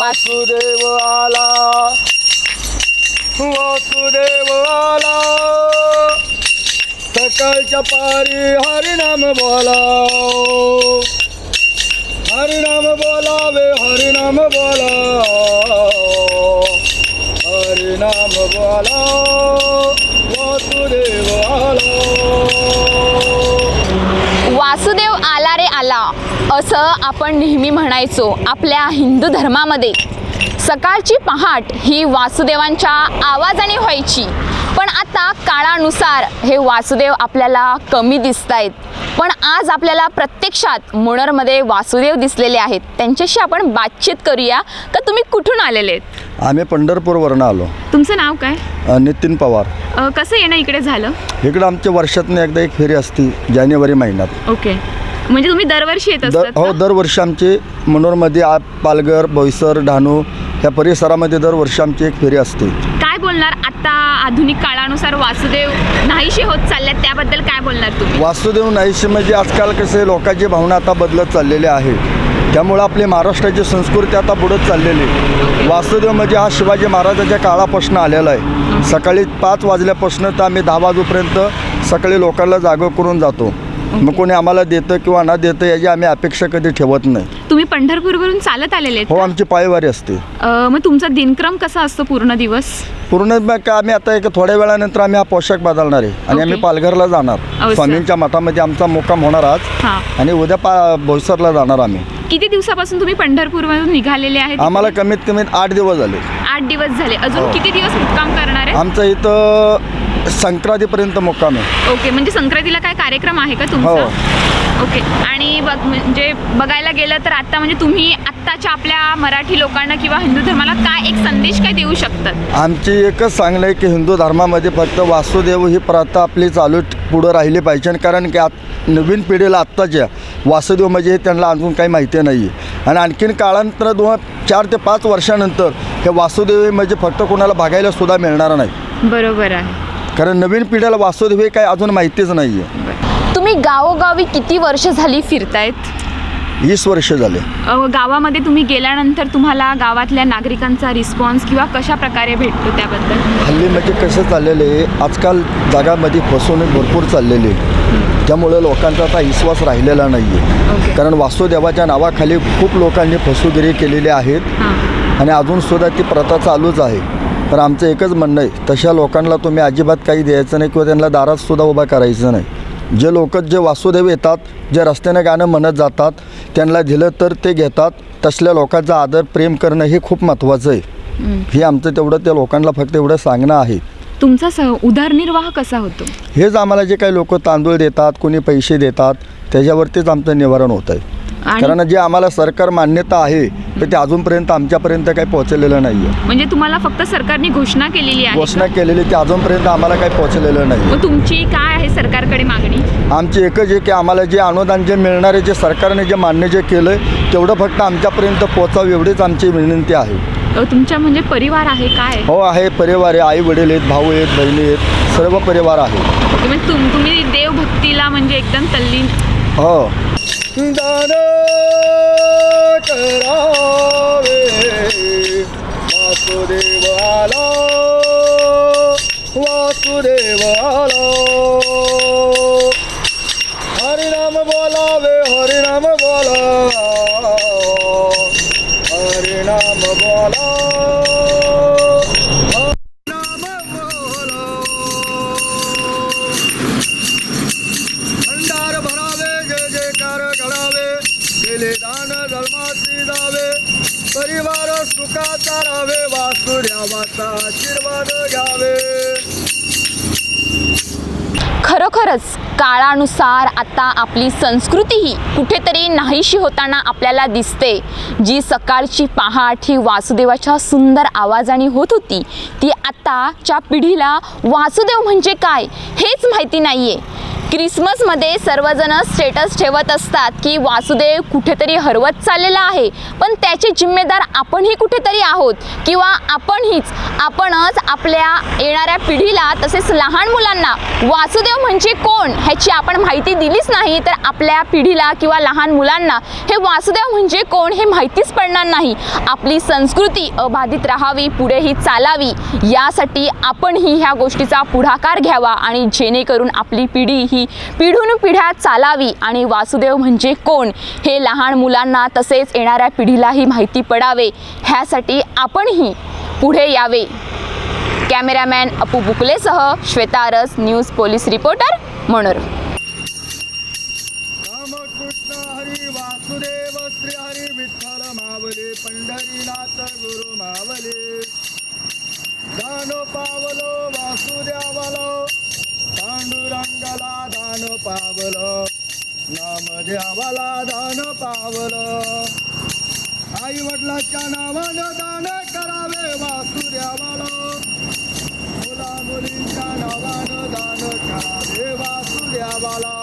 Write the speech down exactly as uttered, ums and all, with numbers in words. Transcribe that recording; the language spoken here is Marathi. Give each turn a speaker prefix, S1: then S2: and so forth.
S1: वासुदेव आला वासुदेव आला सकाळच्या पारी हरिनाम बोला हरिनाम बोलावे हरिनाम बोला हरिनाम बोला वासुदेव आला
S2: वासुदेव आला रे आला असं आपण नेहमी म्हणायचो. आपल्या हिंदू धर्मामध्ये सकाळची पहाट ही वासुदेवांच्या आवाजाने व्हायची. पण आता काळानुसार हे वासुदेव आपल्याला कमी दिसत आहेत. पण आज आपल्याला प्रत्यक्षात मुणरमध्ये वासुदेव दिसलेले आहेत. त्यांच्याशी आपण बातचीत करूया. का तुम्ही कुठून आलेले आहेत?
S1: आम्ही पंढरपूरवरून आलो.
S2: तुमचं नाव काय?
S1: नितीन पवार.
S2: अ, कसं येणं इकडे झालं?
S1: इकडं आमच्या वर्षातून एकदा एक फेरी असते जानेवारी महिन्यात.
S2: ओके, म्हणजे तुम्ही दरवर्षी येत
S1: दर
S2: असतात
S1: हो
S2: का?
S1: दरवर्षी आमचे मनोरमध्ये आ पालघर बोईसर डहाणू ह्या परिसरामध्ये दरवर्षी आमची एक फेरी असते.
S2: काय बोलणार आता आधुनिक काळानुसार वासुदेव नाहीशी होत चालल्यात त्याबद्दल काय बोलणार तुम्ही?
S1: वासुदेव नाहीशी म्हणजे आजकाल कसे लोकांची भावना आता बदलत चाललेली आहे. त्यामुळं आपली महाराष्ट्राची संस्कृती आता बुडत चाललेली. वासुदेव म्हणजे हा शिवाजी महाराजांच्या काळापासून आलेला आहे. सकाळी पाच वाजल्यापासून तर आम्ही दहा वाजेपर्यंत सकाळी लोकांना जागं करून जातो. मग कोणी आम्हाला देतं किंवा न देतं याची आम्ही अपेक्षा कधी ठेवत नाही.
S2: तुम्ही पंढरपूरवरून चालत आलेले आहेत
S1: हो,
S2: का?
S1: आमची पायवारी असते.
S2: अ, मग तुमचा दिनक्रम कसा असतो पूर्ण दिवस?
S1: पूर्ण मग काय आम्ही आता एक थोड्या वेळानंतर आम्ही हा पोशाख बदलणार आहे आणि आम्ही
S2: ओके.
S1: पालघरला जाणार.
S2: सर.
S1: स्वामींच्या मठामध्ये आमचा मुक्काम होणार आज
S2: हां.
S1: आणि उद्या पा बोईसरला जाणार आम्ही.
S2: किती दिवसापासून तुम्ही पंढरपूरमधून निघालेले आहेत?
S1: आम्हाला कमीत कमी आठ दिवस झाले.
S2: आठ दिवस झाले. अजून
S1: हो.
S2: किती दिवस मुक्काम करणार आहे?
S1: आमचं इथं संक्रांतीपर्यंत मुक्काम आहे.
S2: ओके, म्हणजे संक्रांतीला काय कार्यक्रम आहे का तुमचा?
S1: हो.
S2: ओके, आणि बघ म्हणजे बघायला गेलं तर आता म्हणजे तुम्ही आत्ताच्या आपल्या मराठी लोकांना किंवा हिंदू धर्माला काय एक संदेश काय देऊ शकतात?
S1: आमची एकच सांगणं आहे की हिंदू धर्मामध्ये फक्त वासुदेव ही प्रथा आपली चालू पुढं राहिली पाहिजे. कारण की आत नवीन पिढीला आत्ताच्या वासुदेव म्हणजे त्यांना अजून काही माहिती नाही आहे. आणि आणखीन काळांतर दोन चार ते पाच वर्षानंतर हे वासुदेव म्हणजे फक्त कोणाला बघायला सुद्धा मिळणार नाही.
S2: बरोबर आहे.
S1: कारण नवीन पिढीला वासुदेव हे काही अजून माहितीच नाही आहे.
S2: तुम्ही गावोगावी किती वर्ष झाली फिरतायत?
S1: वीस वर्ष झाले.
S2: अ, गावामध्ये तुम्ही गेल्यानंतर तुम्हाला गावातल्या नागरिकांचा रिस्पॉन्स किंवा कशा प्रकारे भेटतो त्याबद्दल?
S1: हल्ली म्हणजे कसं चाललेलं आहे, आजकाल जगामध्ये फसवणूक भरपूर चाललेली आहे. त्यामुळे लोकांचा आता विश्वास राहिलेला नाही आहे.
S2: ओके.
S1: कारण वासुदेवाच्या नावाखाली खूप लोकांनी फसवेगिरी केलेली आहेत
S2: हां.
S1: आणि अजूनसुद्धा ती प्रथा चालूच आहे. तर आमचं एकच म्हणणं आहे, तशा लोकांना तुम्ही अजिबात काही द्यायचं नाही किंवा त्यांना दारातसुद्धा उभा करायचं नाही. जे लोक जे वासुदेव येतात, जे रस्त्याने गाणं म्हणत जातात, त्यांना दिलं तर ते घेतात. तसल्या लोकांचा आदर प्रेम करणं हे खूप महत्त्वाचं आहे. हे आमचं तेवढं त्या लोकांना फक्त एवढं सांगणं आहे.
S2: तुमचा स उदरनिर्वाह कसा होतो?
S1: हेच आम्हाला जे काही लोक तांदूळ देतात, कोणी पैसे देतात, त्याच्यावरतीच आमचं निवारण होत आहे.
S2: आणि
S1: कारण जे आम्हाला सरकार मान्यता आहे तर ते अजूनपर्यंत आमच्यापर्यंत काही पोहोचलेलं नाही आहे.
S2: म्हणजे तुम्हाला फक्त सरकारने घोषणा केलेली आहे
S1: घोषणा
S2: का?
S1: केलेली ते अजूनपर्यंत आम्हाला काही पोहोचलेलं नाही.
S2: मग तुमची काय आहे सरकारकडे मागणी?
S1: आमची एकच आहे की आम्हाला जे अनुदान जे मिळणारे जे सरकारने जे मान्य जे केलं आहे तेवढं फक्त आमच्यापर्यंत पोचावं एवढीच आमची विनंती आहे.
S2: अ, तुमच्या म्हणजे परिवार आहे काय?
S1: हो आहे, परिवार आहे, आई वडील आहेत, भाऊ आहेत, बहिणी आहेत, सर्व परिवार आहे.
S2: ओके, म्हणजे तुम तुम्ही देवभक्तीला म्हणजे एकदम तल्लीन.
S1: हो. दान करावे वासुदेव आला वासुदेव आला हरिनाम बोलावे हरिनाम बोला हरिनाम बोला हरिनाम बोला भंडार भरावे जय जयकार घडावे केले दान धर्माची जावे परिवार सुखाचा राहावे वासुदेवाचा आशीर्वाद घ्यावे.
S2: खरोखरच काळानुसार आता आपली संस्कृतीही कुठेतरी नाहीशी होताना आपल्याला दिसते. जी सकाळची पहाट ही वासुदेवाच्या सुंदर आवाजाने होत होती ती आताच्या पिढीला वासुदेव म्हणजे काय हेच माहिती नाही आहे. क्रिसमसमध्ये सर्वजण स्टेटस ठेवत असतात की वासुदेव कुठेतरी हरवत चाललेला आहे, पण त्याचे जिम्मेदार आपणही कुठेतरी आहोत किंवा आपणहीच आपणच आपल्या येणाऱ्या पिढीला तसेच लहान मुलांना वासुदेव म्हणजे कोण ह्याची आपण माहिती दिलीच नाही तर आपल्या पिढीला किंवा लहान मुलांना हे वासुदेव म्हणजे कोण हे माहितीच पडणार नाही. आपली संस्कृती अबाधित राहावी, पुढेही चालावी यासाठी आपणही ह्या गोष्टीचा पुढाकार घ्यावा आणि जेणेकरून आपली पिढी ही पिढून पिढ्या चालावी आणि वासुदेव म्हणजे कोण हे लहान मुलांना तसेच येणाऱ्या पिढीलाही माहिती पडावे ह्यासाठी आपणही पुढे यावे. कॅमेरामॅन अपू बुकलेसह Shweta Aras, news police reporter, Manor.
S1: Ramakrishna Hari Vasudev Shri Hari Vitthal Mauli Pandharinath guru Mauli. दानो पावलो वासुदेवालो पांडुरंगाला दान पावलं, नामदेवाला दान पावलं. आई वडिलाच्या नावानं दान करावे वासुदेवाला, मुला मुलींच्या नावानं दान करावे वासुदेवाला.